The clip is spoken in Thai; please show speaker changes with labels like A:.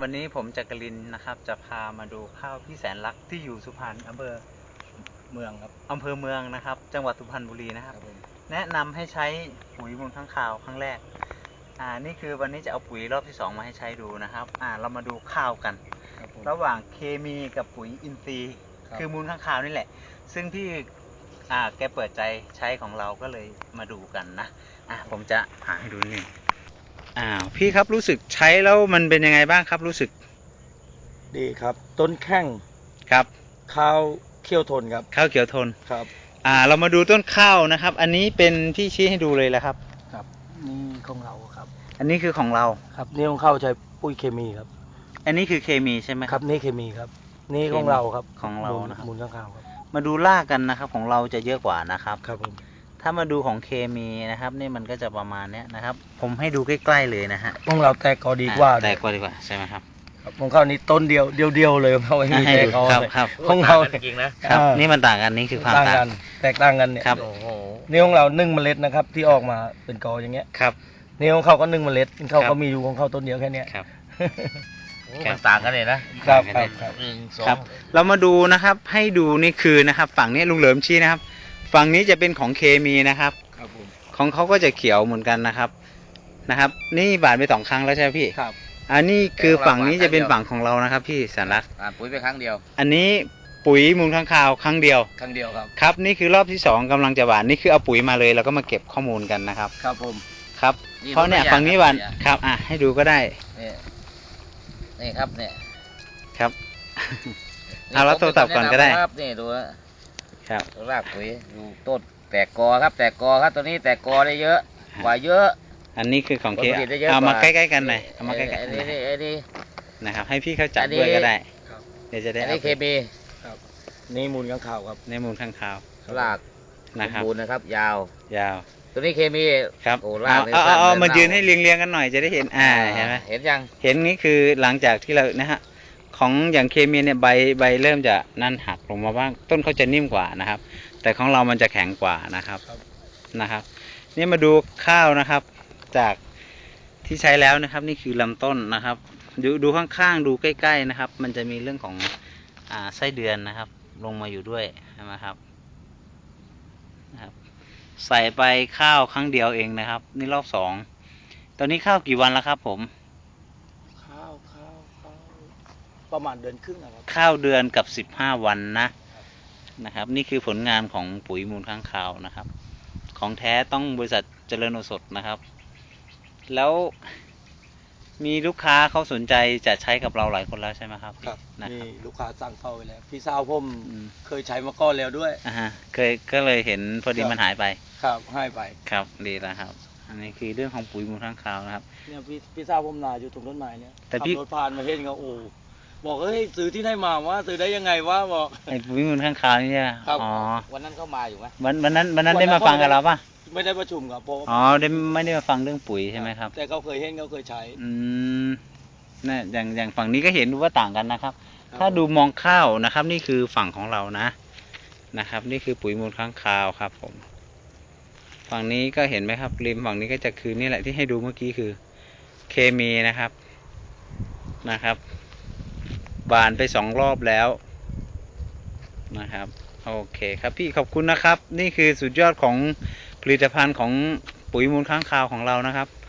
A: วันนี้ผมจักรินทร์นะครับจะพามาดูข้าวพี่แสนรักที่อยู่สุพรรณอำเภอ
B: เมืองครับ
A: อำเภอเมืองนะครับจังหวัดสุพรรณบุรีนะครับแนะนำให้ใช้ปุ๋ยมูลค้างคาวครั้งแรกนี่คือวันนี้จะเอาปุ๋ยรอบที่2มาให้ใช้ดูนะครับเรามาดูข้าวกันระหว่างเคมีกับปุ๋ยอินทรีย์คือมูลค้างคาวนี่แหละซึ่งพี่แกเปิดใจใช้ของเราก็เลยมาดูกันนะผมจะหาให้ดูนี่พี่ครับรู้สึกใช้แล้วมันเป็นยังไงบ้างครับรู้สึก
B: ดีครับต้นแข้ง
A: ครับ
B: ข้าวเขียวทนครับ
A: ข้าวเขียวทน
B: ครับ
A: เรามาดูต้นข้าวนะครับอันนี้เป็นที่ชี้ให้ดูเลยแล้วครับ
B: ครับนี่ของเราครับ
A: อันนี้คือของเรา
B: ครับนี่ของข้าวใช้ปุ๋ยเคมีครับ
A: อันนี้คือเคมีใช่ไหม
B: ครับนี่เคมีครับนี่ของเราครับ
A: ของเรานะครับ
B: มูลค้างคาวครับ
A: มาดูรากกันนะครับของเราจะเยอะกว่านะครับ
B: ครับผม
A: ถ้ามาดูของเคมีนะครับนี่มันก็จะประมาณนี้นะครับผมให้ดูใกล้ๆเลยนะฮะ
B: ของเราแตกกอดีกว่า
A: แตกกว่าดีกว่าใช่ไหมครับ
B: ของเขานี่ต้นเดียวเลยเขาไม่มีแตกกอเลยของเรา
A: จริงนะครับนี่มันต่างกันนี่คือความต่างกัน
B: แตกต่างกันเนี่ย
A: ครับ
B: นี่ของเรา1 เมล็ดนะครับที่ออกมาเป็นกออย่างเงี้ย
A: ครับ
B: นี่ของเขาก็1 เมล็ดเขาก็มีอยู่ของเขาต้นเดียวแค่นี้
A: ครับ
B: มันต่างกันเลยนะครับ
A: ครับเรามาดูนะครับให้ดูนี่คือนะครับฝั่งนี้ลุงเหลิมชี้นะครับฝั่งนี้จะเป็นของเคมีนะครับของเขาก็จะเขียวเหมือนกันนะครับนี่บาดไป2 ครั้งแล้วใช่ไหมพี่
B: ครับ
A: อันนี้คือฝั่งนี้จะเป็นฝั่งของเรานะครับพี่แสนรัก
B: ปุ๋ยไปครั้งเดียว
A: อันนี้ปุ๋ยมูลค้างคาวครั้งเดียวครับนี่คือรอบที่2กำลังจะหว่านนี่คือเอาปุ๋ยมาเลยแล้วก็มาเก็บข้อมูลกันนะครับ
B: ครับผม
A: ครับเพราะเนี่ยฝั่งนี้หว่านครับให้ดูก็ได้
B: นี่ครับเนี่ย
A: ครับเอาแล้วโทรศัพท์ก่อนก็ได้
B: ครับนี่ดู
A: ครับ
B: รากปุ๋ยดูต้นแตกกอครับตัวนี้แตกกอได้เยอะกว่าเยอะ
A: อันนี้คือของเคเอามาใกล้ๆกันหน่อยเอามาใกล้ๆกัน
B: นี่
A: นะครับให้พี่เขาจับด้วยก็ได้เดี๋ยวจะได้
B: อันนี้เคมีครับนี่มูลค้างคาวครับ
A: นี่มูลค้างคาว
B: ราก
A: นะครับ
B: มูลนะครับยาวตัวนี้เคมี
A: ครับเอามายืนให้เรียงกันหน่อยจะได้เห็นเห็นไหม
B: เห็นยัง
A: เห็นนี้คือหลังจากที่เรานะฮะของอย่างเคมีเนี่ยใบเริ่มจะนั่นหักลงมาบ้างต้นเขาจะนิ่มกว่านะครับแต่ของเรามันจะแข็งกว่านะครับนี่มาดูข้าวนะครับจากที่ใช้แล้วนะครับนี่คือลำต้นนะครับดูข้างๆดูใกล้ๆนะครับมันจะมีเรื่องของไส้เดือนนะครับลงมาอยู่ด้วยนะครับใส่ไปข้าวครั้งเดียวเองนะครับนี่รอบ2ตอนนี้ข้าวกี่วันแล้วครับผม
B: ข้าวประมาณเดือนครึ่งนะครับ
A: ข้าวเดือนกับ15 วันนะครับนี่คือผลงานของปุ๋ยมูลค้างคาวนะครับของแท้ต้องบริษัทเจริญโอสถนะครับแล้วมีลูกค้าเขาสนใจจะใช้กับเราหลายคนแล้วใช่ไหมครับ
B: มีลูกค้าสั่งเข้าไปแล้วพี่สาวผมเคยใช้มาก่อนแล้วด้วย
A: ก็เลยเห็นพอดีมันหายไป
B: ครับหายไป
A: ครับดีแล้วครับอันนี้คือเรื่องของปุ๋ยมูลค้างคาวนะครับ
B: เนี่ยพี่สาวผมนาอยู่ตรงต้นไม้เนี่ยแต่พี่รถผ่านมาเห็นเขาบอกเฮ้ยซื้อที่ไหนมาว่าซื้อได้ยังไงวะบอก
A: ไอ้ปุ๋ยมูลค้างคาวนี่ใช่
B: อ๋อวันนั้นเข้ามาอยู่ไหม
A: วันนั้นได้มาฟังกับเราป่ะ
B: ไม่ได้ประชุมครับ
A: ไม่ได้มาฟังเรื่องปุ๋ยใช่ไหมครับ
B: แต่เขาเคยเห็นเขาเคยใช้
A: นี่อย่างฝั่งนี้ก็เห็นว่าต่างกันนะครับถ้าดูมองข้าวนะครับนี่คือฝั่งของเรานะครับนี่คือปุ๋ยมูลค้างคาวครับผมฝั่งนี้ก็เห็นไหมครับริมฝั่งนี้ก็จะคือนี่แหละที่ให้ดูเมื่อกี้คือเคมีนะครับบานไป2 รอบแล้วนะครับโอเคครับพี่ขอบคุณนะครับนี่คือสุดยอดของผลิตภัณฑ์ของปุ๋ยมูลค้างคาวของเรานะครับ